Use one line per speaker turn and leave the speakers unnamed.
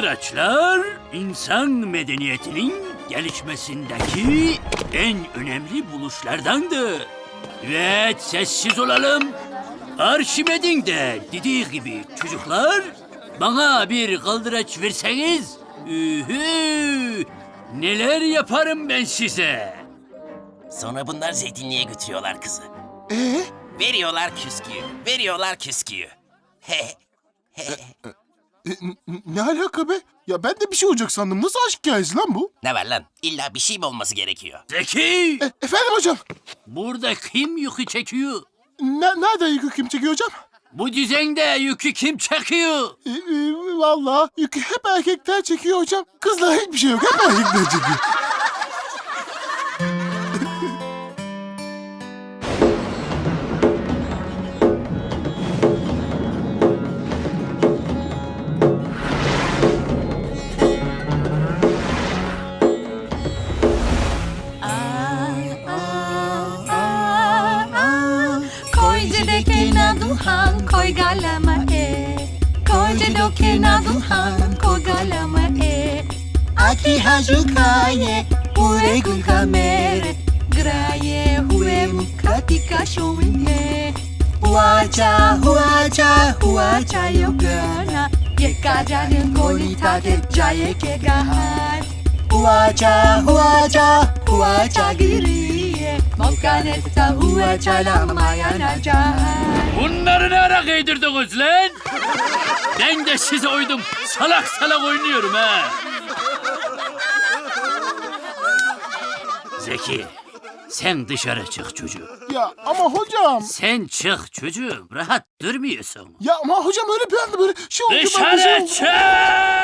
Kaldıraçlar, insan medeniyetinin gelişmesindeki en önemli buluşlardandır. Evet, sessiz olalım. Arşimed'in de dediği gibi çocuklar, bana bir kaldıraç verseniz, neler yaparım ben size.
Sonra bunlar zeytinliğe götürüyorlar kızı.
Ee?
Veriyorlar küsküyü, veriyorlar küsküyü.
Ne alaka be? Ya ben de bir şey olacak sandım. Nasıl aşk hikayesi lan bu?
Ne var lan? İlla bir şey mi olması gerekiyor?
Zeki,
Efendim hocam?
burada kim yükü çekiyor?
Nereden yükü kim çekiyor hocam?
Bu düzende yükü kim çekiyor?
Vallahi yükü hep erkekler çekiyor hocam. Kızlar hiçbir şey yok. Hep erkekler çekiyor.
Koyjedeke na duhan koy galama Koyjedoke na duhan koy galama Aki hajukaye ure gun kamere Graye hue mukatika showinhe Huacha yogana Yekajane golita de jaye kegahan Huacha giriye Mokanetta huacha lamayana jahan
Bunları ne ara kıyırdınız lan? Ben de size uydum. Salak salak oynuyorum ha. Zeki, sen dışarı çık çocuğum.
Ya ama hocam.
Sen çık çocuğum. Rahat durmuyorsun.
Ya ama hocam öyle bir anda böyle şey oldu. ben de şey
Dışarı
oldu.
çık!